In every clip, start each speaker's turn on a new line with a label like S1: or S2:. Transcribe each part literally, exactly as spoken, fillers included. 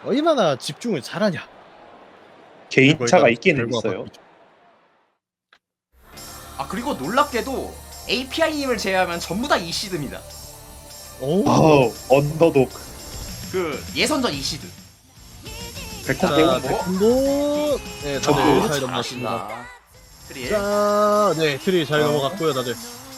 S1: 얼마나 집중을 잘하냐.
S2: 개인차가 있기는
S1: 결과가
S2: 있어요.
S1: 바뀌죠.
S3: 아 그리고 놀랍게도 에이피아이님을 제외하면 전부 다 이시드입니다.
S1: 오.
S2: 아우 언더독
S3: 그 예선전 이시드.
S2: 백타
S1: 자,
S2: 대원
S1: 백분도 네, 다들
S2: 어,
S1: 잘 넘어갔습니다.
S3: 잘하신다. 트릴.
S1: 자, 네, 트리 잘
S2: 어.
S1: 넘어갔고요, 다들.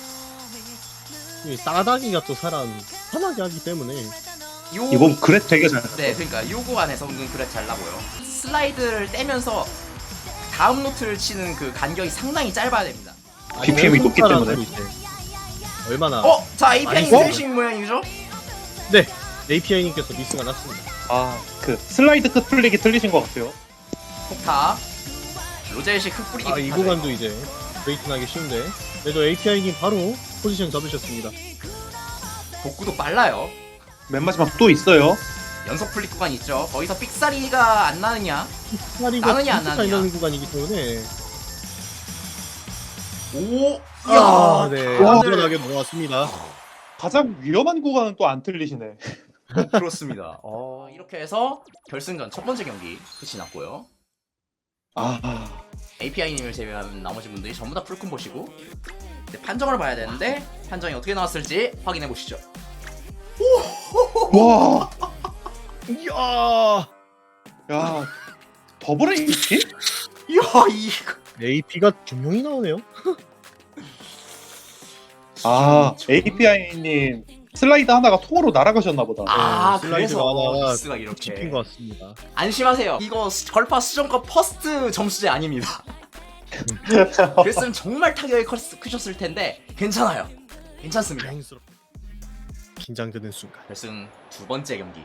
S1: 이 싸다기가 또 사람 편하게 하기 때문에.
S3: 요...
S2: 이번 그래 되게 잘.
S3: 네, 그러니까 요 구간에서 은근 그래 잘 나고요. 슬라이드를 떼면서 다음 노트를 치는 그 간격이 상당히 짧아야 됩니다.
S2: 비피엠이 높기 때문에.
S1: 이제 얼마나.
S3: 어, 자 에이피아이
S1: 아이고.
S3: 트레이싱 모양이죠?
S1: 네, 에이피아이님께서 미스가 났습니다.
S2: 아그 슬라이드 끝 플릭이 틀리신 것 같아요.
S3: 폭타. 로젤식 흙 뿌리기.
S1: 아, 이
S3: 폭탄을.
S1: 구간도 이제 브레이킹하기 쉬운데. 그래도 에이피아이님 바로 포지션 잡으셨습니다.
S3: 복구도 빨라요.
S2: 맨 마지막 또 있어요.
S3: 연속 플릭 구간 있죠. 거기서 삑사리가 안 나느냐?
S1: 파리가
S3: 나느냐, 안
S1: 진짜
S3: 나느냐.
S1: 나는 구간이기 때문에.
S3: 오,
S1: 아,
S3: 야,
S1: 네,
S2: 와.
S1: 안전하게 넘어왔습니다.
S2: 가장 위험한 구간은 또 안 틀리시네.
S3: 그렇습니다. 어, 이렇게 해서 결승전 첫 번째 경기 끝이 났고요.
S2: 아
S3: 에이피아이님을 제외한 나머지 분들이 전부 다 풀콤 보시고 이제 판정을 봐야 되는데 판정이 어떻게 나왔을지 확인해 보시죠.
S2: 와.
S1: 이야,
S2: 야 더블 에이티?
S3: 이야 이거
S1: 에이피가 두 명이 나오네요.
S2: 아 에이피아이님 슬라이드 하나가 통으로 날아가셨나 보다.
S3: 아
S1: 네,
S3: 그래서
S1: 슬라이드가
S3: 미스가 이렇게
S1: 짚힌 것 같습니다.
S3: 안심하세요. 이거 스- 걸파 수정과 퍼스트 점수제 아닙니다. 그랬으면 정말 타격이 컸- 크셨을 텐데 괜찮아요. 괜찮습니다.
S1: 다행스럽. 긴장되는 순간.
S3: 결승 두 번째 경기.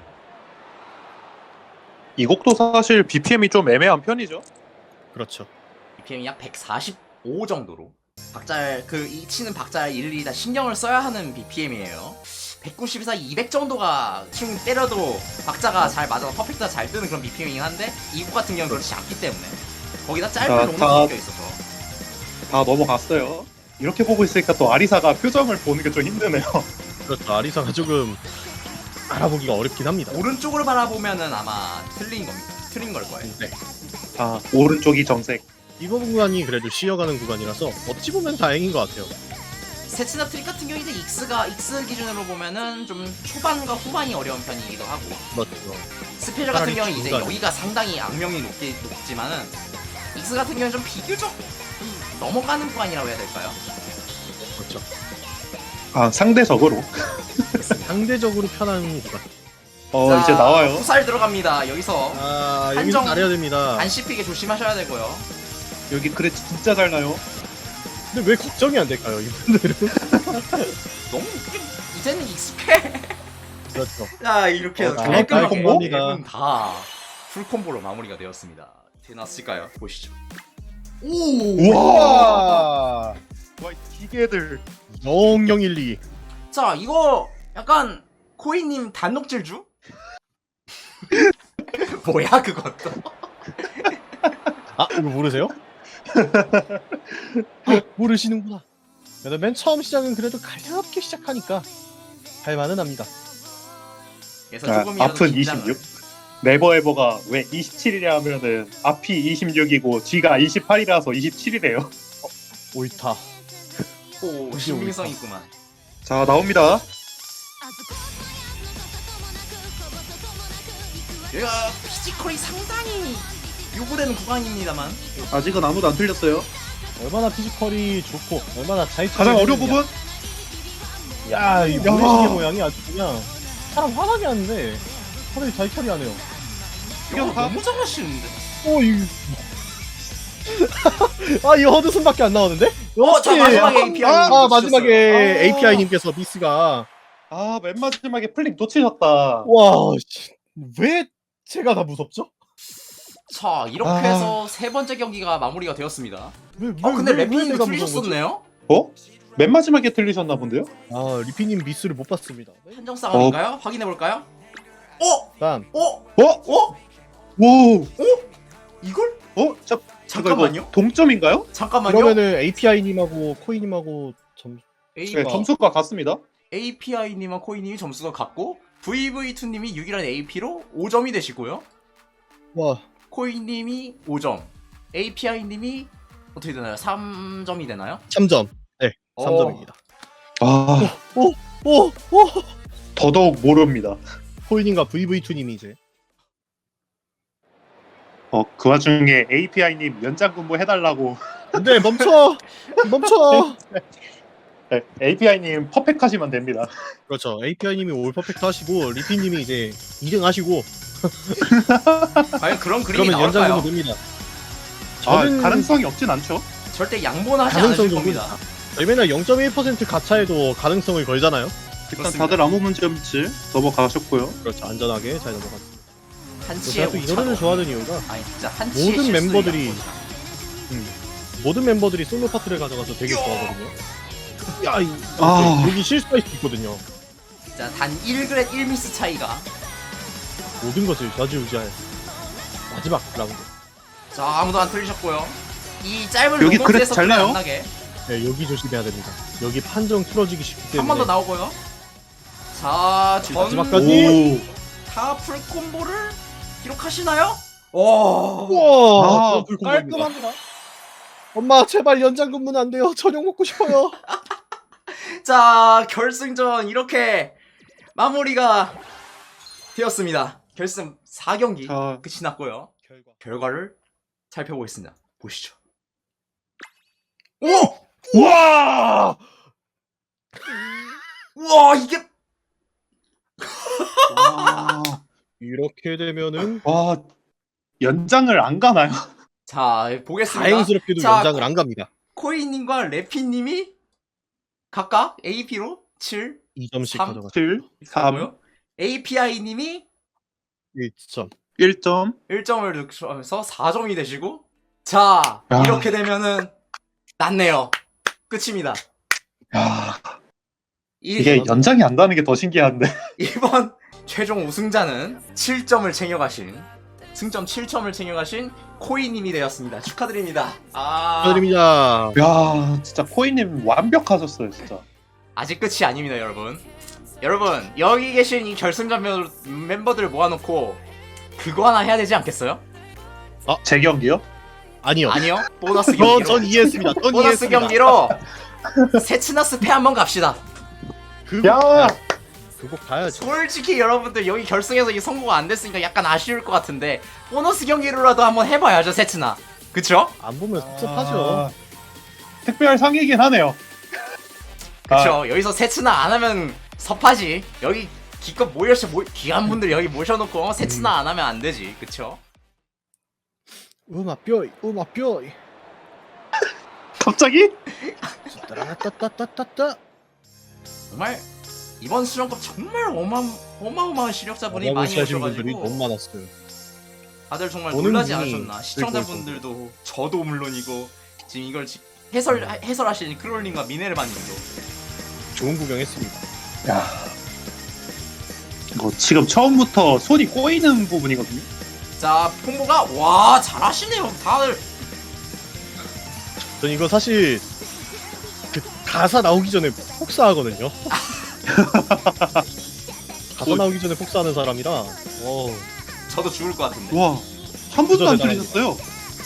S2: 이 곡도 사실 비피엠이 좀 애매한 편이죠.
S1: 그렇죠.
S3: 비피엠이 약 백사십오 정도로 박잘 그 이 치는 박잘 일일이 다 신경을 써야 하는 비피엠이에요. 백구십에서 이백 정도가 충 때려도 박자가 잘 맞아서 퍼펙트가 잘 뜨는 그런 비피엠이긴 한데 이곡 같은 경우는 그렇지 않기 때문에 거기다 짧은
S2: 자,
S3: 롱이
S2: 다-
S3: 섞여 있어서
S2: 다 넘어갔어요. 이렇게 보고 있으니까 또 아리사가 표정을 보는 게 좀 힘드네요.
S1: 그렇죠. 아리사가 조금 알아보기가 어렵긴 합니다.
S3: 오른쪽을 바라보면은 아마 틀린 겁니다. 틀린 걸 거예요.
S1: 네.
S2: 아 오른쪽이 정색.
S1: 이번 구간이 그래도 쉬어가는 구간이라서 어찌 보면 다행인 것 같아요.
S3: 세츠나 트릭 같은 경우 이제 익스가 익스 기준으로 보면은 좀 초반과 후반이 어려운 편이기도 하고
S1: 그렇죠.
S3: 스페셜 같은
S1: 차라리
S3: 경우는 이제
S1: 중간.
S3: 여기가 상당히 악명이 높게 높지만은 익스 같은 경우는 좀 비교적 좀 넘어가는 구간이라고 해야 될까요?
S1: 그렇죠.
S2: 아 상대적으로.
S1: 상대적으로 편한 구간.
S2: 어
S3: 자,
S2: 이제 나와요.
S3: 후살 들어갑니다. 여기서
S1: 아,
S3: 판정.
S1: 여기서 잘해야 됩니다.
S3: 안 씹히게 조심하셔야 되고요.
S2: 여기 그래 진짜 잘 나요.
S1: 근데 왜 걱정이 안 될까요, 이분들은?
S3: 너무 이제는 익숙해.
S1: 그렇죠.
S3: 자 이렇게 해서
S2: 어,
S3: 깔끔하게
S1: 콤보?
S3: 네 분 다 풀콤보로 마무리가 되었습니다. 어떻게 났을까요? 보시죠. 오!
S2: 우와.
S1: 와,
S2: 와 기계들.
S1: 영영일리.
S3: 자 이거 약간 코이님 단독질주? 뭐야 그것도?
S1: 아, 이거 모르세요? 아, 모르시는구나. 그래도 맨 처음 시작은 그래도 가볍게 시작하니까 할만은 합니다.
S3: 그래서
S2: 아,
S3: 조금이라도
S2: 앞은
S3: 긴장을.
S2: 이십육. 네버에버가 왜 이십칠이냐 하면은 앞이 이십육이고 뒤가 이십팔이라서 이십칠이래요.
S1: 옳다.
S3: 오 신빙성 있구만.
S2: 자 나옵니다.
S3: 얘가 피지컬이 상당히 요구되는 구간입니다만
S2: 아직은 아무도 안 틀렸어요.
S1: 얼마나 피지컬이 좋고 얼마나 잘
S2: 가장 어려운
S1: 처리해주느냐.
S2: 부분.
S1: 야, 이
S2: 야.
S1: 모래시계 모양이 아주 그냥 사람 화나게 하는데 사람이 잘 처리하네요.
S3: 야, 너무 잘하시는데.
S1: 어, 이 아, 이 허드슨밖에 안 나오는데?
S3: 어, 자
S1: 역시.
S3: 마지막에 에이피아이.
S1: 아, 아, 마지막에
S2: 아.
S1: 에이피아이님께서 미스가
S2: 아 맨 마지막에 플릭 놓치셨다.
S1: 와, 씨, 왜 제가 다 무섭죠?
S3: 자 이렇게
S2: 아.
S3: 해서 세 번째 경기가 마무리가 되었습니다.
S1: 왜, 왜,
S3: 어 근데
S1: 왜, 왜
S3: 래피님도
S1: 내가 무서운 거지?
S3: 틀리셨었네요.
S2: 어? 맨 마지막에 틀리셨나 본데요?
S1: 아, 리피님 미스를 못 봤습니다.
S3: 판정 싸움인가요? 확인해 볼까요? 어?
S1: 일단
S3: 어?
S2: 어?
S3: 어?
S2: 오.
S3: 이걸?
S2: 어? 자,
S3: 잠깐만요.
S2: 이거 동점인가요?
S3: 잠깐만요.
S1: 그러면은 에이피아이님하고 코이님하고 점
S3: A,
S2: 네, 점수가 같습니다.
S3: 에이피아이님과 코이님이 점수가 같고 브이브이투님이 육 이라는 에이피로 오 점이 되시고요.
S1: 와.
S3: 코이님이 오 점, 에이피아이님이 어떻게 되나요? 삼 점이 되나요?
S1: 삼 점. 네.
S3: 어.
S1: 삼 점입니다.
S2: 아
S1: 오, 오.
S2: 더더욱 모릅니다.
S1: 코인님과 브이브이투님이 이제
S2: 어 그 와중에 에이피아이님 연장 근무 해달라고.
S1: 안돼 멈춰 멈춰.
S2: 네, 에이피아이님 퍼펙하시면 됩니다.
S1: 그렇죠. 에이피아이님이 올 퍼펙트 하시고 리피님이 이제 이 등 하시고
S3: 과연 그런 그림이
S1: 그러면 연장으로
S3: 나올까요?
S1: 됩니다.
S2: 아
S1: 저는
S2: 가능성이 없진 않죠.
S3: 절대 양보는 하지
S1: 가능성
S3: 않으실
S1: 정도는
S3: 겁니다.
S1: 저희 맨날 영 점 일 퍼센트 가차에도 가능성을 걸잖아요.
S2: 일단
S3: 그렇습니다.
S2: 다들 아무 문제 없이 넘어가셨고요.
S1: 그렇죠. 안전하게 잘 넘어갔습니다.
S3: 한치의
S1: 제가 또 이 노래를
S3: 오차도
S1: 좋아하는 이유가
S3: 아니 진짜 한치의
S1: 모든
S3: 실수도
S1: 멤버들이
S3: 양보지
S1: 모든 멤버들이 솔로 파트를 가져가서 되게 좋아하거든요. 야, 이,
S2: 아.
S1: 여기 실수할 수 있거든요.
S3: 진짜 단 일 그램 일 미스 차이가.
S1: 모든 것을 좌지우지할 마지막 라운드.
S3: 자 아무도 안 틀리셨고요. 이 짧은
S2: 여기
S3: 로봇에서
S2: 그래도 잘 나요?
S3: 안 나게
S1: 네, 여기 조심해야 됩니다. 여기 판정 틀어지기 쉽기 때문에.
S3: 한 번 더 나오고요. 자, 전
S1: 마지막까지.
S3: 다 풀콤보를 기록하시나요? 오.
S1: 우와,
S2: 아,
S1: 어, 깔끔합니다. 엄마 제발 연장 근무는 안 돼요. 저녁 먹고 싶어요.
S3: 자, 결승전 이렇게 마무리가 되었습니다. 결승 사 경기
S2: 자,
S3: 끝이 났고요.
S1: 결과.
S3: 결과를 살펴보겠습니다. 보시죠. 오!
S2: 우와!
S3: 우와, 이게
S2: 와,
S1: 이렇게 되면은
S2: 와 연장을 안 가나요?
S3: 자, 보겠습니다.
S1: 다행스럽게도
S3: 자,
S1: 연장을 안 갑니다.
S3: 코이님과 레피님이 각각 에이피로 칠,
S1: 이 점씩
S3: 삼.
S1: 가져가.
S2: 칠, 삼,
S3: 고요 에이피아이님이
S1: 일 점.
S2: 일 점.
S3: 일 점을 넣으면서 사 점이 되시고, 자,
S2: 야.
S3: 이렇게 되면은 났네요. 끝입니다.
S2: 야,
S3: 이,
S2: 이게 연장이 안 가는 게 더 신기한데.
S3: 이번 최종 우승자는 칠 점을 챙겨가신, 승점 칠 점을 챙겨가신 코이님이 되었습니다. 축하드립니다. 아,
S1: 축하드립니다.
S2: 야, 진짜 코이님 완벽하셨어요, 진짜.
S3: 아직 끝이 아닙니다, 여러분. 여러분, 여기 계신 이 결승전 멤- 멤버들을 모아놓고 그거 하나 해야 되지 않겠어요?
S2: 제 경기요?
S1: 아니요.
S3: 아니요, 보너스
S1: 저,
S3: 경기로.
S1: 전 이해했습니다. 전
S3: 보너스
S1: 이해했습니다.
S3: 경기로 세츠나스 패 한번 갑시다.
S1: 그거
S2: 야!
S1: 가야- 그거 가야죠.
S3: 솔직히 여러분들 여기 결승에서 이 성공가 안 됐으니까 약간 아쉬울 것 같은데 보너스 경기로라도 한번 해봐야죠, 세츠나. 그쵸?
S1: 안 보면 섭섭하죠.
S2: 아, 특별 상이긴 하네요.
S3: 그쵸. 여기서 세츠나 안 하면 섭하지. 여기 기껏 모여서 모, 귀한 분들 여기 모셔놓고 어, 세츠나 안 하면 안 되지. 그쵸?
S1: 우마 뼈이, 우마 뼈이.
S2: 갑자기?
S1: 따라따따따따따.
S3: 정말 이번 수련급 정말 어마, 어마어마한 실력자분이 많이
S1: 하신 분들이
S3: 오셔가지고
S1: 너무 많았어요.
S3: 다들 정말
S1: 보는
S3: 놀라지
S1: 분이
S3: 않으셨나. 시청자분들도 저도 물론이고 지금 이걸 지- 해설, 해설하시는 크롤님과 미네르바님도
S1: 좋은 구경했습니다.
S2: 야. 이거 지금 처음부터 손이 꼬이는 부분이거든요.
S3: 자, 콤보가 와 잘하시네요 다들.
S1: 전 이거 사실 그 가사 나오기 전에 폭사하거든요. 가사 나오기 전에 폭사하는 사람이라. 어.
S3: 저도 죽을 것 같은데.
S2: 와, 한 번도 안
S1: 진짜
S2: 틀리셨어요.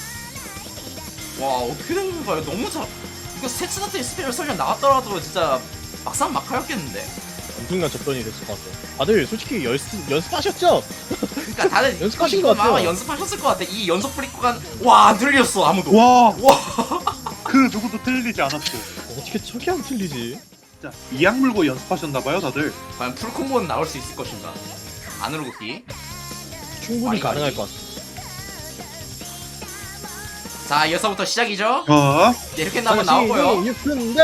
S3: 와 어떻게 된 건가요? 너무 잘. 이거 세츠나트의 스페셜 설정 나왔더라도 진짜 막상 막하였겠는데.
S1: 엄청난 접전이 됐을 것 같아요. 다들 솔직히 연습 연습하셨죠?
S3: 그러니까 다들
S1: 연습하신
S3: 이거
S1: 것 같아요.
S3: 아마 연습하셨을 것 같아. 이 연속 브리크가 와 안 들렸어 아무도.
S2: 와,
S3: 와.
S2: 그 누구도 틀리지 않았어.
S1: 어떻게 저게 안 틀리지?
S2: 진짜 이악 물고 연습하셨나봐요, 다들.
S3: 과연 풀 콤보는 나올 수 있을 것인가? 안으로 긋기.
S1: 충분히
S3: 많이
S1: 가능할
S3: 많이.
S1: 것 같습니다.
S3: 자 이어서부터 시작이죠.
S2: 자,
S3: 네, 이렇게 한번 나오고요.
S1: 육분다.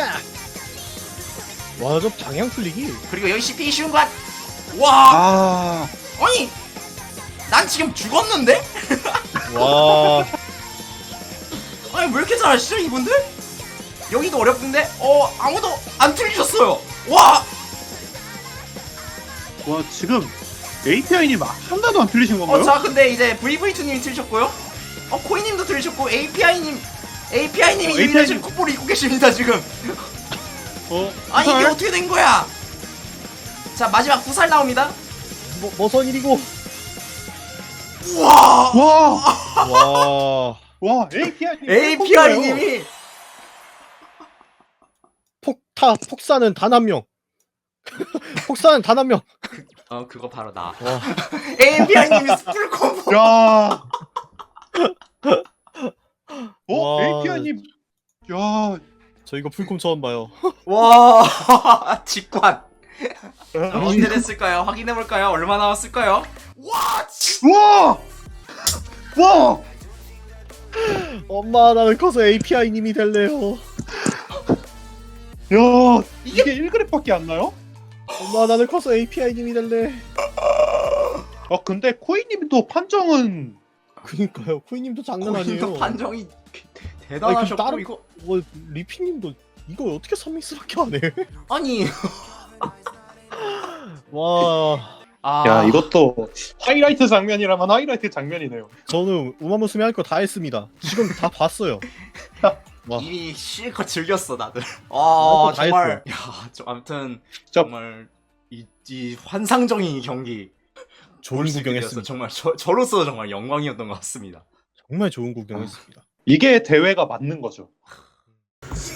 S1: 와, 저 방향 틀리기.
S3: 그리고 여기 씨피 쉬운 것. 와
S2: 아,
S3: 아니 난 지금 죽었는데?
S1: 와,
S3: 아니 왜 이렇게 잘하시죠 이분들? 여기도 어렵던데? 어 아무도 안 틀리셨어요. 와
S2: 와 지금 에이피아이님 하나도 안 틀리신 건가요?
S3: 어, 자, 근데 이제 브이브이투님이 틀리셨고요. 어, 코이님도 틀리셨고, 에이피아이님, 에이피아이님이
S2: 어,
S3: 이미
S2: 에이피아이
S3: 지금 콧볼을 입고 계십니다, 지금.
S1: 어,
S3: 아니, 이게
S2: 헐.
S3: 어떻게 된 거야? 자, 마지막 구살 나옵니다.
S1: 뭐, 뭐선 일이고.
S3: 와!
S2: 와!
S1: 와.
S2: 와, 에이피아이님.
S3: 에이피아이님이
S1: 폭타, 폭사는 단 한 명. 폭사는 단 한 명.
S3: 어 그거 바로 나.
S1: 와.
S3: 에이피아이님이 스풀 콤보.
S2: 야. 어,
S1: 와.
S2: 에이피아이님. 야.
S1: 저 이거 풀콤 처음 봐요.
S3: 와 직관. 자,
S2: 야.
S3: 언제 됐을까요? 확인해 볼까요? 얼마 나왔을까요? 와! 지-
S2: 와! 와!
S1: 엄마 나는 커서 에이피아이님이 될래요.
S2: 야, 이게 일 그램밖에 안 나요?
S1: 엄마 나는 커서 에이피아이님이 될래.
S2: 아, 근데 코이님도 판정은
S1: 그니까요. 코이님도 장난
S3: 거기도
S1: 아니에요.
S3: 판정이
S1: 아니,
S3: 대단하셨고
S1: 그럼 다른-
S3: 이거
S1: 뭐 리피님도 이거 어떻게 삼 믹스밖에 안 해?
S3: 아니
S1: 와.
S3: 아
S2: 야, 이것도 하이라이트 장면이라면 하이라이트 장면이네요.
S1: 저는 우마무스메 할 거 다 했습니다. 지금 다 봤어요. 와.
S3: 이미 실컷 즐겼어 다들.
S1: 어,
S3: 아
S1: 다
S3: 정말 야좀 아무튼
S2: 진짜
S3: 정말 이, 이 환상적인 경기
S1: 좋은
S3: 볼 수 있게 되어서
S1: 구경했습니다.
S3: 정말 저, 저로서 정말 영광이었던 것 같습니다.
S1: 정말 좋은 구경했습니다.
S2: 이게 대회가 맞는 거죠.